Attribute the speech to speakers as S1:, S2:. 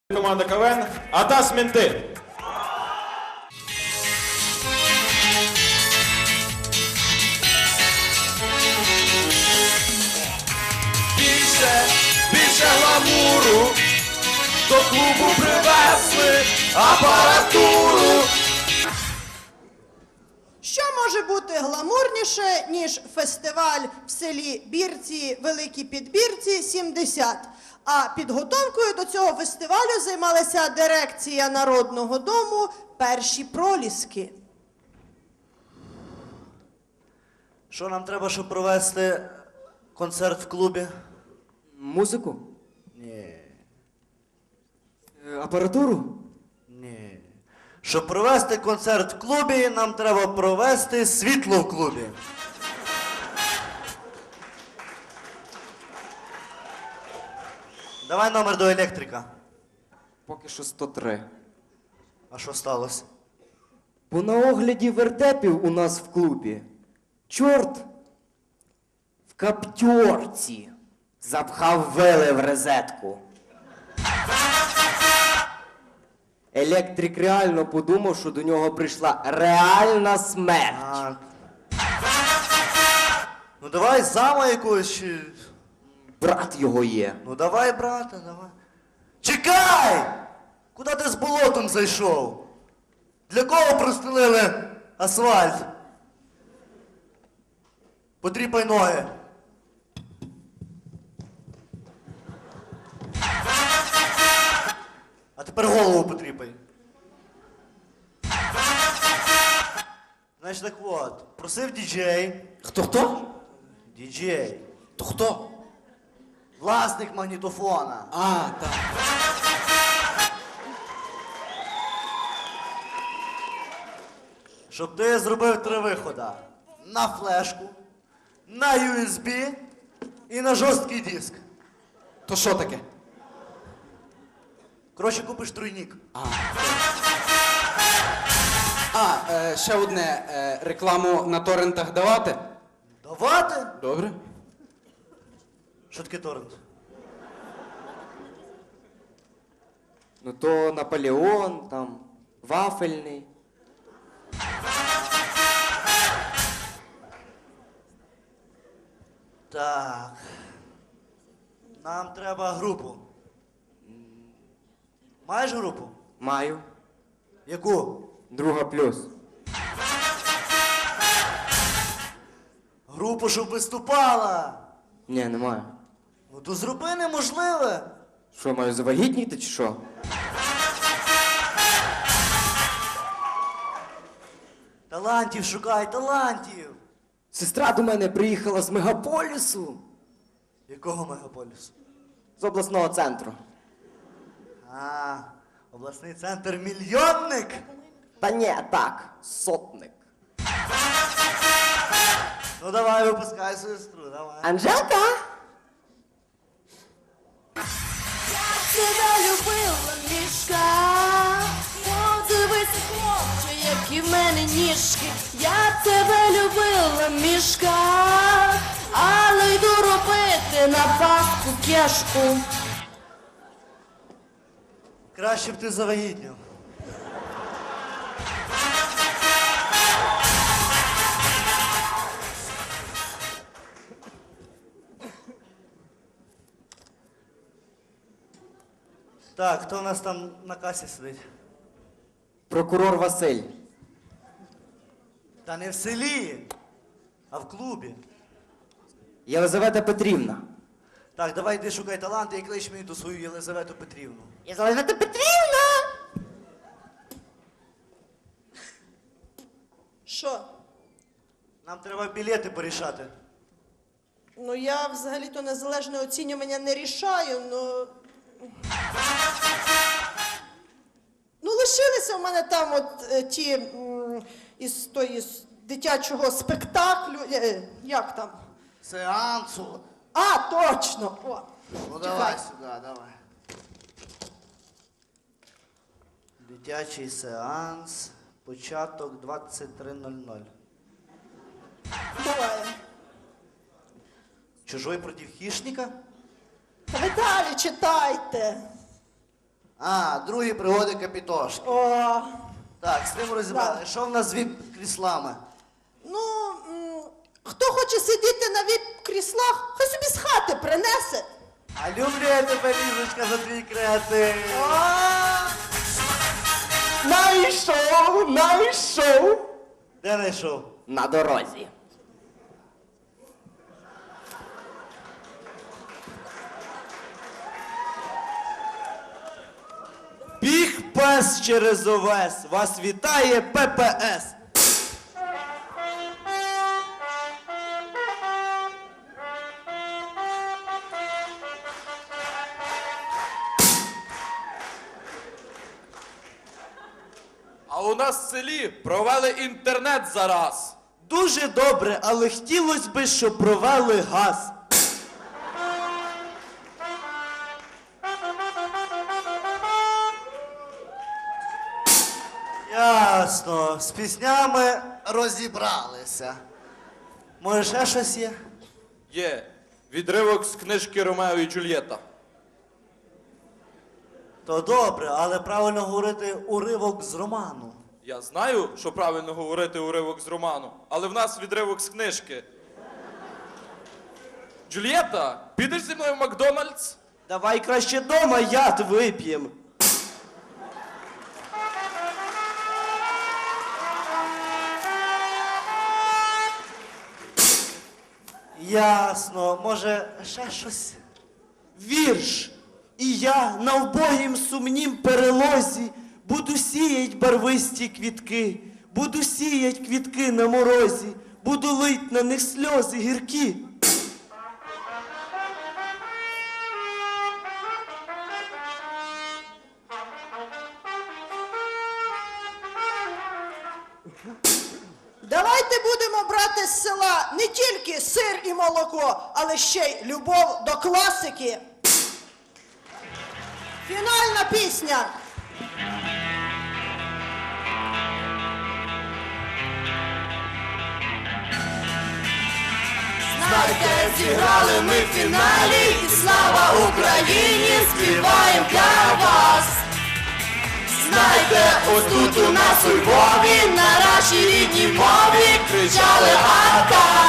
S1: Команда КВН «Атас Менти».
S2: Більше гламуру, до клубу привезли апаратуру.
S3: Що може бути гламурніше, ніж фестиваль в селі Бірці, Великій Підбірці, 70? А підготовкою до цього фестивалю займалася дирекція Народного дому «Перші проліски».
S2: Що нам треба, щоб провести концерт в клубі?
S4: Музику?
S2: Ні.
S4: Апаратуру?
S2: Ні. Щоб провести концерт в клубі, нам треба провести світло в клубі. Давай номер до електрика.
S4: Поки що 103.
S2: А що сталося?
S4: Бо на огляді вертепів у нас в клубі чорт в каптьорці запхав вили в розетку. Електрик реально подумав, що до нього прийшла реальна смерть.
S2: А... Ну давай зама якогось чи...
S4: Брат його є.
S2: Ну давай, брате, давай. Чекай! Куди ти з болотом зайшов? Для кого простелили асфальт? Потріпай ноги. А тепер голову потріпай. Значить так от, просив діджей.
S4: Хто?
S2: Діджей.
S4: То хто?
S2: Власник магнітофона.
S4: А, так.
S2: Щоб ти зробив 3 виходи. На флешку, на USB і на жорсткий диск.
S4: То що таке?
S2: Коротше, купиш тройник.
S5: Ще одне, рекламу на торрентах давати?
S2: Давати?
S5: Добре.
S2: Що таке торрент?
S4: Ну то Наполеон, там, вафельний.
S2: Так. Нам треба групу. Маєш групу?
S4: Маю.
S2: Яку?
S4: Друга плюс.
S2: Групу, щоб виступала.
S4: Ні, не маю.
S2: Ну то зроби неможливе.
S4: Що, маю завагітніти чи що?
S2: Талантів шукай, талантів.
S4: Сестра до мене приїхала з мегаполісу.
S2: Якого мегаполісу?
S4: З обласного центру.
S2: А, обласний центр мільйонник.
S4: Та ні, так, сотник.
S2: Ну давай, випускай сестру, давай.
S4: Анжелка?
S6: Тебе любила мішка, подивись, хлопче, які в мене ніжки. Я тебе любила мішка, але йду робити на паску кешку.
S2: Краще б ти завагітнів. Так, хто у нас там на касі сидить?
S4: Прокурор Василь.
S2: Та не в селі, а в клубі.
S4: Єлизавета Петрівна.
S2: Так, давай йди шукай таланти і клич мені ту свою Єлизавету Петрівну.
S4: Єлизавета Петрівна!
S3: Що?
S2: Нам треба білети порішати.
S3: Ну, я взагалі-то незалежне оцінювання не рішаю, ну... Ну, лишилися в мене там от ті із дитячого спектаклю. Як там?
S2: Сеансу.
S3: А, точно! О,
S2: Ну
S3: чекай.
S2: давай сюди, давай. Дитячий сеанс. Початок 23:00.
S3: Буває.
S2: Чужой проти хищника?
S3: Та ви далі читайте.
S2: А, другі пригоди Капітошки.
S3: О,
S2: Так, з тим розібрали. Що в нас з віп-кріслами?
S3: ну, хто хоче сидіти на віп-кріслах, хай собі з хати принесе.
S2: А люблю я тебе, Лізочка, за твій креатив.
S4: Найшов!
S2: Де знайшов?
S4: На дорозі.
S2: Біг пес через овес. Вас вітає ППС.
S1: А у нас в селі провели інтернет зараз.
S2: Дуже добре, але хотілося б, щоб провели газ. Ясно, з піснями розібралися. Може, ще щось є?
S1: Є відривок з книжки Ромео і Джульєта.
S2: То добре, але правильно говорити уривок з роману.
S1: Я знаю, що правильно говорити уривок з роману, але в нас відривок з книжки. Джульєта, підеш зі мною в Макдональдс?
S2: Давай краще дома яд вип'єм. Ясно, може, ще щось? Вірш. І я на вбогім сумнім перелозі буду сіять барвисті квітки, буду сіять квітки на морозі, буду лить на них сльози гіркі.
S3: Давайте будемо брати з села не тільки сир і молоко, але ще й любов до класики. Фінальна пісня.
S6: Знайте, зіграли ми в фіналі, і слава Україні, співаємо для вас. Знайте, ось тут у нас у Львові, на нашій рідній мові кричали «Атака!».